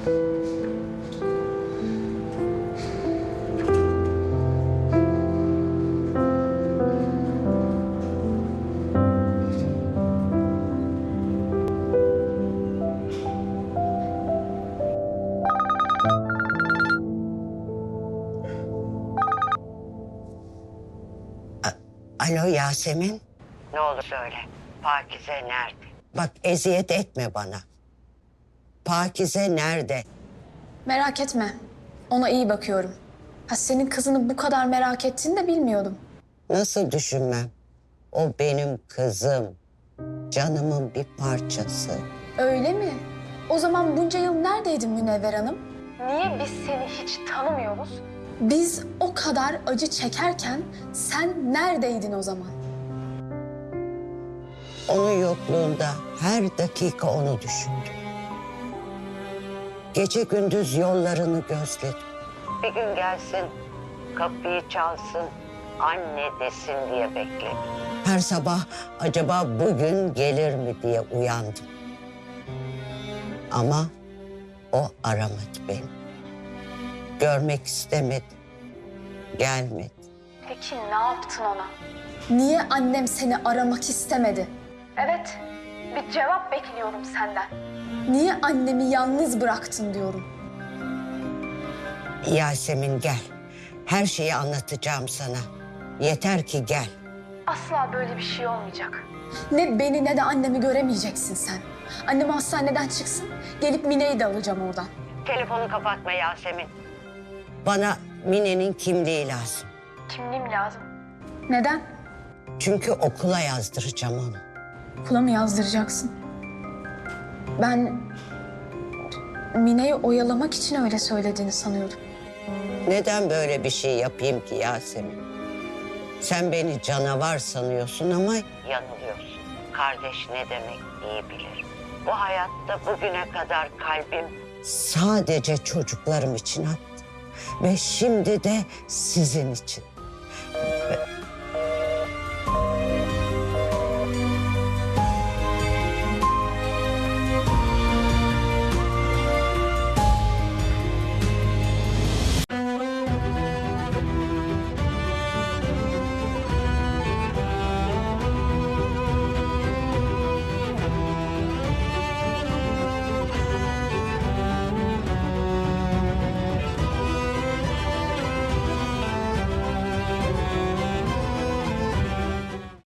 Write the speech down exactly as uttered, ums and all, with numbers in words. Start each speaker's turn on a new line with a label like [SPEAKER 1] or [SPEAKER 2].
[SPEAKER 1] Alo Yasemin. Ne olur söyle. Pakize nerede? Bak eziyet etme bana. Pakize nerede?
[SPEAKER 2] Merak etme. Ona iyi bakıyorum. Ha, senin kızını bu kadar merak ettiğini de bilmiyordum.
[SPEAKER 1] Nasıl düşünmem? O benim kızım. Canımın bir parçası.
[SPEAKER 2] Öyle mi? O zaman bunca yıl neredeydin Münevver Hanım? Niye biz seni hiç tanımıyoruz? Biz o kadar acı çekerken sen neredeydin o zaman?
[SPEAKER 1] Onun yokluğunda her dakika onu düşündüm. Gece gündüz yollarını gözledim. Bir gün gelsin, kapıyı çalsın, anne desin diye bekledim. Her sabah acaba bugün gelir mi diye uyandım. Ama o aramadı beni. Görmek istemedi, gelmedi.
[SPEAKER 2] Peki ne yaptın ona? Niye annem seni aramak istemedi? Evet, bir cevap bekliyorum senden. Niye annemi yalnız bıraktın diyorum.
[SPEAKER 1] Yasemin gel. Her şeyi anlatacağım sana. Yeter ki gel.
[SPEAKER 2] Asla böyle bir şey olmayacak. Ne beni ne de annemi göremeyeceksin sen. Annem hastaneden çıksın, gelip Mine'yi de alacağım oradan.
[SPEAKER 1] Telefonu kapatma Yasemin. Bana Mine'nin kimliği lazım.
[SPEAKER 2] Kimliğim lazım. Neden?
[SPEAKER 1] Çünkü okula yazdıracağım onu.
[SPEAKER 2] Okula mı yazdıracaksın? Ben Mine'yi oyalamak için öyle söylediğini sanıyordum.
[SPEAKER 1] Neden böyle bir şey yapayım ki Yasemin? Sen beni canavar sanıyorsun ama yanılıyorsun. Kardeş ne demek iyi bilir. Bu hayatta bugüne kadar kalbim sadece çocuklarım için attı. Ve şimdi de sizin için.